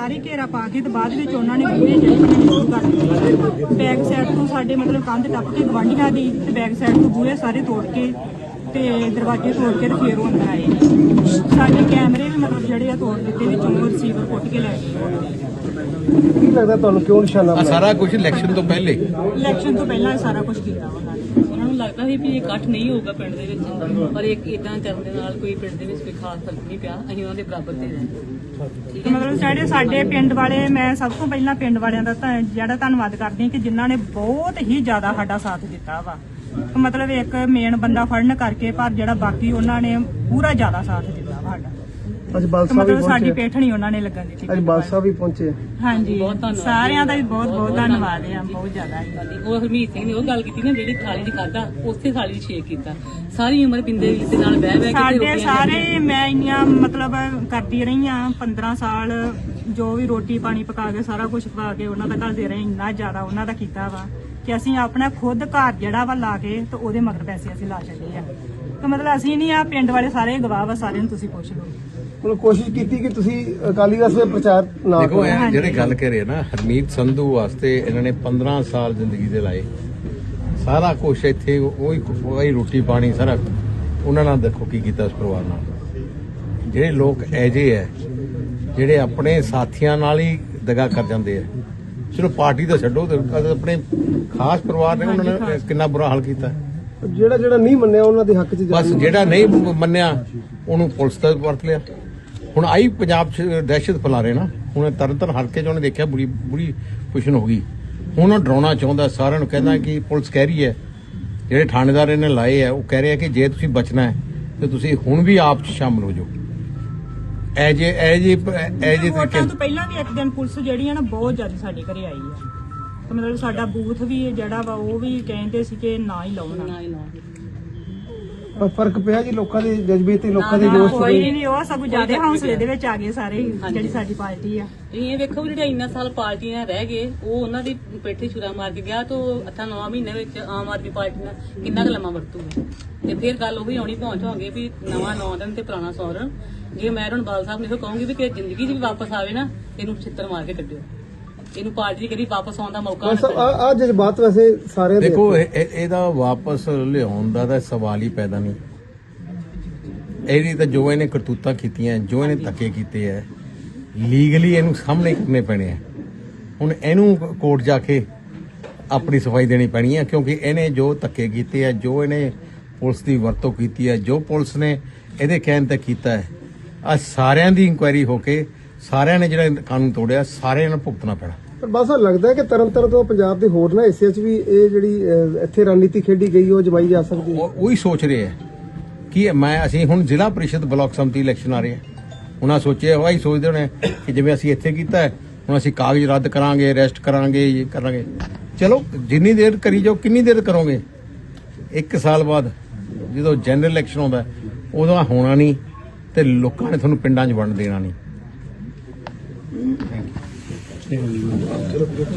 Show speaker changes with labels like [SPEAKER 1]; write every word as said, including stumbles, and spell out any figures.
[SPEAKER 1] ਸਾਰੇ ਘੇਰਾ ਪਾ ਕੇ ਤੇ ਬਾਅਦ ਵਿੱਚ ਉਹਨਾਂ ਨੇ ਪੂਰੇ ਜਿਹੜੇ ਸ਼ੁਰੂ ਕਰ ਦਿੱਤੇ। ਬੈਕ ਸਾਈਡ ਤੋਂ ਸਾਡੇ ਮਤਲਬ ਕੰਧ ਟੱਪ ਕੇ ਗਵਾਂਢੀਆਂ ਦੀ ਤੇ ਬੈਕ ਸਾਈਡ ਤੋਂ ਬੂਹੇ ਸਾਰੇ ਤੋੜ ਕੇ ਤੇ ਦਰਵਾਜ਼ੇ ਤੋੜ ਕੇ ਤੇ ਫੇਰ ਉਹ ਅੰਦਰ ਆਏ। ਸਾਡੇ ਕੈਮਰੇ ਵੀ ਮਤਲਬ ਜਿਹੜੇ ਆ ਤੋੜ ਦਿੱਤੇ, ਵਿੱਚੋਂ ਰਿਸੀਵਰ ਪੁੱਟ ਕੇ ਲੈ ਗਏ।
[SPEAKER 2] ਕੀ ਲੱਗਦਾ ਤੁਹਾਨੂੰ ਕਿਉਂ ਨਿਸ਼ਾਨਾ ਬਣਾਇਆ?
[SPEAKER 3] ਸਾਰਾ ਕੁਝ ਇਲੈਕਸ਼ਨ ਤੋਂ ਪਹਿਲੇ
[SPEAKER 1] ਇਲੈਕਸ਼ਨ ਤੋਂ ਪਹਿਲਾਂ ਸਾਰਾ ਕੁਝ ਕੀਤਾ ਉਹਨਾਂ ਨੇ।
[SPEAKER 4] ਉਹਨਾਂ ਨੂੰ ਲੱਗਦਾ ਸੀ ਵੀ ਇਹ ਇਕੱਠ ਨਹੀਂ ਹੋਊਗਾ ਪਿੰਡ ਦੇ ਵਿੱਚ, ਪਰ ਇੱਕ ਇਦਾਂ ਕਰਨ ਦੇ ਨਾਲ ਕੋਈ ਪਿੰਡ ਦੇ ਵਿੱਚ ਕੋਈ ਖਾਸ ਫਰਕ ਨਹੀਂ ਪਿਆ। ਅਸੀਂ ਉਹਨਾਂ ਦੇ ਬਰਾਬਰ ਤੇ ਰਹੇ।
[SPEAKER 1] ਮਤਲਬ ਸਾਡੇ ਸਾਡੇ ਪਿੰਡ ਵਾਲੇ, ਮੈਂ ਸਭ ਤੋਂ ਪਹਿਲਾਂ ਪਿੰਡ ਵਾਲਿਆਂ ਦਾ ਤਾਂ ਜਿਹੜਾ ਧੰਨਵਾਦ ਕਰਦੀ ਹਾਂ ਕਿ ਜਿਨ੍ਹਾਂ ਨੇ ਬਹੁਤ ਹੀ ਜ਼ਿਆਦਾ ਸਾਡਾ ਸਾਥ ਦਿੱਤਾ ਵਾ। ਮਤਲਬ ਇੱਕ ਮੇਨ ਬੰਦਾ ਫੜਨ ਕਰਕੇ, ਪਰ ਜਿਹੜਾ ਬਾਕੀ ਉਹਨਾਂ ਨੇ ਪੂਰਾ ਜ਼ਿਆਦਾ ਸਾਥ ਦਿੱਤਾ ਵਾ ਸਾਡਾ।
[SPEAKER 2] ਅੱਜ ਬਾਲਸਾ ਵੀ
[SPEAKER 1] ਮਤਲਬ ਸਾਡੀ
[SPEAKER 2] ਪਹੁੰਚੇ,
[SPEAKER 1] ਪੇਠਣੀ ਉਹਨਾਂ ਨੇ ਲੱਗਣ ਦਿੱਤੀ।
[SPEAKER 2] ਅੱਜ ਬਾਲਸਾ ਵੀ ਪਹੁੰਚੇ।
[SPEAKER 1] ਹਾਂਜੀ, ਸਾਰਿਆਂ ਦਾ ਵੀ ਬਹੁਤ ਬਹੁਤ ਧੰਨਵਾਦ ਹੈ, ਬਹੁਤ ਜ਼ਿਆਦਾ।
[SPEAKER 4] ਉਹ ਹਰਮੀਤ ਸਿੰਘ ਨੇ ਉਹ ਗੱਲ ਕੀਤੀ ਨਾ, ਜਿਹੜੀ ਥਾਲੀ 'ਚ ਖਾਧਾ ਉਸੇ ਥਾਲੀ 'ਚ ਛੇਕ ਕੀਤਾ। ਸਾਰੀ ਉਮਰ ਪਿੰਦੇ ਦੇ ਨਾਲ ਬਹਿ ਬਹਿ ਕੇ
[SPEAKER 1] ਸਾਡੇ ਸਾਰੇ, ਮੈਂ ਇੰਨੀਆਂ ਮਤਲਬ ਕਰਦੀ ਰਹੀ ਆ ਪੰਦਰਾਂ ਸਾਲ, ਜੋ ਵੀ ਰੋਟੀ ਪਾਣੀ ਪਕਾ ਕੇ ਸਾਰਾ ਕੁਝ ਪਕਾ ਕੇ ਉਹਨਾਂ ਦਾ ਘੱਲਦੇ ਰਹੇ। ਇੰਨਾ ਜ਼ਿਆਦਾ ਉਹਨਾਂ ਦਾ ਕੀਤਾ ਵਾ ਕਿ ਅਸੀਂ ਆਪਣਾ ਖੁਦ ਘਰ ਜਿਹੜਾ ਵਾ ਲਾ ਕੇ ਤੇ ਉਹਦੇ ਮਗਰ ਪੈਸੇ ਅਸੀਂ ਲਾ ਛੱਡੇ ਆ। ਤੇ ਮਤਲਬ ਅਸੀਂ ਨਹੀਂ ਆ, ਪਿੰਡ ਵਾਲੇ ਸਾਰੇ ਗਵਾਹ ਵਾ, ਸਾਰਿਆਂ ਨੂੰ ਤੁਸੀਂ ਪੁੱਛ ਲਓ।
[SPEAKER 2] ਮਤਲਬ ਕੋਸ਼ਿਸ਼ ਕੀਤੀ ਕਿ ਤੁਸੀਂ ਅਕਾਲੀ ਦਲ ਦੇ ਪ੍ਰਚਾਰ ਨਾ
[SPEAKER 3] ਦੇਖੋ
[SPEAKER 2] ਕਰੋ।
[SPEAKER 3] ਇਹ ਜਿਹੜੇ ਗੱਲ ਕਰ ਰਹੇ ਨਾ, ਹਰਮੀਤ ਸੰਧੂ ਵਾਸਤੇ ਇਹਨਾਂ ਨੇ ਪੰਦਰਾਂ ਸਾਲ ਜ਼ਿੰਦਗੀ ਦੇ ਲਾਏ। ਸਾਰਾ ਕੁਝ ਇੱਥੇ ਉਹੀ ਉਹੀ ਰੋਟੀ ਪਾਣੀ ਸਾਰਾ ਉਹਨਾਂ ਨਾਲ ਦੇਖੋ ਕੀ ਕੀਤਾ ਉਸ ਪਰਿਵਾਰ ਨਾਲ। ਜਿਹੜੇ ਲੋਕ ਐਜੇ ਹੈ ਜਿਹੜੇ ਆਪਣੇ ਸਾਥੀਆਂ ਨਾਲ ਹੀ ਦਗਾ ਕਰ ਜਾਂਦੇ ਆ। ਚਲੋ ਪਾਰਟੀ ਤਾਂ ਛੱਡੋ, ਆਪਣੇ ਖਾਸ ਪਰਿਵਾਰ ਨੇ ਉਹਨਾਂ ਨੇ ਕਿੰਨਾ ਬੁਰਾ ਹਾਲ ਕੀਤਾ।
[SPEAKER 2] ਜਿਹੜਾ ਜਿਹੜਾ ਨਹੀਂ ਮੰਨਿਆ ਉਹਨਾਂ ਦੇ ਹੱਕ 'ਚ
[SPEAKER 3] ਬਸ ਜਿਹੜਾ ਨਹੀਂ ਮੰਨਿਆ ਉਹਨੂੰ ਪੁਲਿਸ ਦਾ ਵਰਤ ਲਿਆ। ਹੁਣ ਆਈ ਪੰਜਾਬ 'ਚ ਦਹਿਸ਼ਤ ਫੈਲਾ ਰਹੇ ਨਾ। ਹੁਣ ਤਰਨਤਾਰਨ ਹਲਕੇ 'ਚ ਉਹਨੇ ਦੇਖਿਆ ਬੁਰੀ ਬੁਰੀ ਪੁਸ਼ਨ ਹੋ ਗਈ। ਹੁਣ ਉਹ ਡਰਾਉਣਾ ਚਾਹੁੰਦਾ ਸਾਰਿਆਂ ਨੂੰ, ਕਹਿੰਦਾ ਕਿ ਪੁਲਿਸ ਕਹਿ ਰਹੀ ਹੈ, ਜਿਹੜੇ ਥਾਣੇਦਾਰ ਇਹਨੇ ਲਾਏ ਆ ਉਹ ਕਹਿ ਰਹੇ ਆ ਕਿ ਜੇ ਤੁਸੀਂ ਬਚਣਾ ਹੈ ਤੇ ਤੁਸੀਂ ਹੁਣ ਵੀ ਆਪ 'ਚ ਸ਼ਾਮਲ ਹੋ ਜਾਓ। ਐਜੇ ਐਜੇ ਐਜੇ
[SPEAKER 1] ਵੋਟਾਂ ਤੋਂ ਪਹਿਲਾਂ ਵੀ ਇੱਕ ਦਿਨ ਪੁਲਿਸ ਜਿਹੜੀ ਆ ਨਾ ਬਹੁਤ ਜ਼ਿਆਦਾ ਸਾਡੇ ਘਰੇ ਆਈ ਆ। ਤੇ ਮਤਲਬ ਸਾਡਾ ਬੂਥ ਵੀ ਜਿਹੜਾ ਵਾ ਉਹ ਵੀ ਕਹਿੰਦੇ ਸੀ ਕਿ ਨਾ ਹੀ ਲਾਉਣਾ।
[SPEAKER 2] ਪਰ ਫਰਕ ਪਿਆ ਜੀ ਲੋਕਾਂ ਦੇ ਜਜ਼ਬੇ ਤੇ, ਲੋਕਾਂ ਦੇ ਜੋਸ਼
[SPEAKER 1] ਕੋਈ
[SPEAKER 2] ਤੇ।
[SPEAKER 1] ਨਹੀਂ, ਉਹ ਸਭ ਜ਼ਿਆਦਾ ਹੌਸਲੇ ਦੇ ਵਿੱਚ ਆ ਗਏ ਸਾਰੇ, ਜਿਹੜੀ ਸਾਡੀ ਪਾਰਟੀ ਆ।
[SPEAKER 4] ਇਹ ਵੇਖੋ ਜਿਹੜੇ ਇੰਨਾ ਸਾਲ ਪਾਰਟੀਆਂ ਰਹਿ ਗਏ, ਉਹ ਉਹਨਾਂ ਦੀ ਪੇਠੀ ਛੁਰਾ ਮਾਰ ਕੇ ਗਿਆ, ਤਾਂ ਅੱਠਾਂ ਨੌਂ ਮਹੀਨੇ ਵਿੱਚ ਆਮ ਆਦਮੀ ਪਾਰਟੀ ਨਾਲ ਕਿੰਨਾ ਕੁ ਲੰਮਾ ਵਰਤੂਗਾ। ਤੇ ਫਿਰ ਗੱਲ ਉਹੀ ਆਉਣੀ ਪਹੁੰਚ ਹੋਗੇ ਵੀ ਨਵਾਂ ਨੌ ਦਿਨ ਤੇ ਪੁਰਾਣਾ ਸੌ ਦਿਨ। ਜੇ ਮੈਂ ਹੁਣ ਬਾਲ ਸਾਹਿਬ ਨੇ ਕਹੂੰਗੀ ਵੀ ਕਿ ਜ਼ਿੰਦਗੀ 'ਚ ਵੀ ਵਾਪਸ ਆਵੇ ਨਾ, ਇਹਨੂੰ ਛਿੱਤਰ ਮਾਰ ਕੇ ਕੱਢਿਓ। ਇਹਨੂੰ ਪਾਰਟੀ ਕਰੀ ਵਾਪਸ ਆਉਣ ਦਾ ਮੌਕਾ
[SPEAKER 2] ਆ ਜਜ਼ਬਾਤ ਵੈਸੇ ਸਾਰੇ
[SPEAKER 3] ਦੇਖੋ ਇਹਦਾ ਵਾਪਸ ਲਿਆਉਣ ਦਾ ਤਾਂ ਸਵਾਲ ਹੀ ਪੈਦਾ ਨਹੀਂ। ਇਹਦੀ ਤਾਂ ਜੋ ਇਹਨੇ ਕਰਤੂਤਾਂ ਕੀਤੀਆਂ, ਜੋ ਇਹਨੇ ਧੱਕੇ ਕੀਤੇ ਹੈ, ਲੀਗਲੀ ਇਹਨੂੰ ਸਾਹਮਣੇ ਕਰਨੇ ਪੈਣੇ ਆ। ਹੁਣ ਇਹਨੂੰ ਕੋਰਟ ਜਾ ਕੇ ਆਪਣੀ ਸਫਾਈ ਦੇਣੀ ਪੈਣੀ ਹੈ, ਕਿਉਂਕਿ ਇਹਨੇ ਜੋ ਧੱਕੇ ਕੀਤੇ ਆ, ਜੋ ਇਹਨੇ ਪੁਲਿਸ ਦੀ ਵਰਤੋਂ ਕੀਤੀ ਹੈ, ਜੋ ਪੁਲਿਸ ਨੇ ਇਹਦੇ ਕਹਿਣ ਤੇ ਕੀਤਾ ਹੈ, ਆ ਸਾਰਿਆਂ ਦੀ ਇਨਕੁਆਇਰੀ ਹੋ ਕੇ ਸਾਰਿਆਂ ਨੇ ਜਿਹੜਾ ਕਾਨੂੰਨ ਤੋੜਿਆ ਸਾਰਿਆਂ ਨੂੰ ਭੁਗਤਣਾ ਪੈਣਾ।
[SPEAKER 2] ਪਰ ਬਸ ਲੱਗਦਾ ਕਿ ਤਰਨਤਾਰਨ ਤੋਂ ਪੰਜਾਬ ਦੇ ਹੋਰ ਨਾ ਹਿੱਸਿਆਂ 'ਚ ਵੀ ਇਹ ਜਿਹੜੀ ਇੱਥੇ ਰਣਨੀਤੀ ਖੇਡੀ ਗਈ ਉਹ ਜਮਾਈ ਜਾ ਸਕਦੀ ਹੈ।
[SPEAKER 3] ਉਹੀ ਸੋਚ ਰਹੇ ਹੈ ਕਿ ਮੈਂ ਅਸੀਂ ਹੁਣ ਜ਼ਿਲ੍ਹਾ ਪ੍ਰੀਸ਼ਦ ਬਲਾਕ ਸੰਮਤੀ ਇਲੈਕਸ਼ਨ ਆ ਰਹੇ ਆ। ਉਹਨਾਂ ਸੋਚਿਆ ਉਹੀ ਸੋਚਦੇ ਹੋਣੇ ਕਿ ਜਿਵੇਂ ਅਸੀਂ ਇੱਥੇ ਕੀਤਾ ਹੁਣ ਅਸੀਂ ਕਾਗਜ਼ ਰੱਦ ਕਰਾਂਗੇ, ਅਰੈਸਟ ਕਰਾਂਗੇ, ਇਹ ਕਰਾਂਗੇ। ਚਲੋ ਜਿੰਨੀ ਦੇਰ ਕਰੀ ਜਾਓ, ਕਿੰਨੀ ਦੇਰ ਕਰੋਗੇ? ਇੱਕ ਸਾਲ ਬਾਅਦ ਜਦੋਂ ਜਨਰਲ ਇਲੈਕਸ਼ਨ ਆਉਂਦਾ ਉਦੋਂ ਹੋਣਾ ਨਹੀਂ ਤੇ ਲੋਕਾਂ ਨੇ ਤੁਹਾਨੂੰ ਪਿੰਡਾਂ 'ਚ ਵੰਡ ਦੇਣਾ ਨਹੀਂ।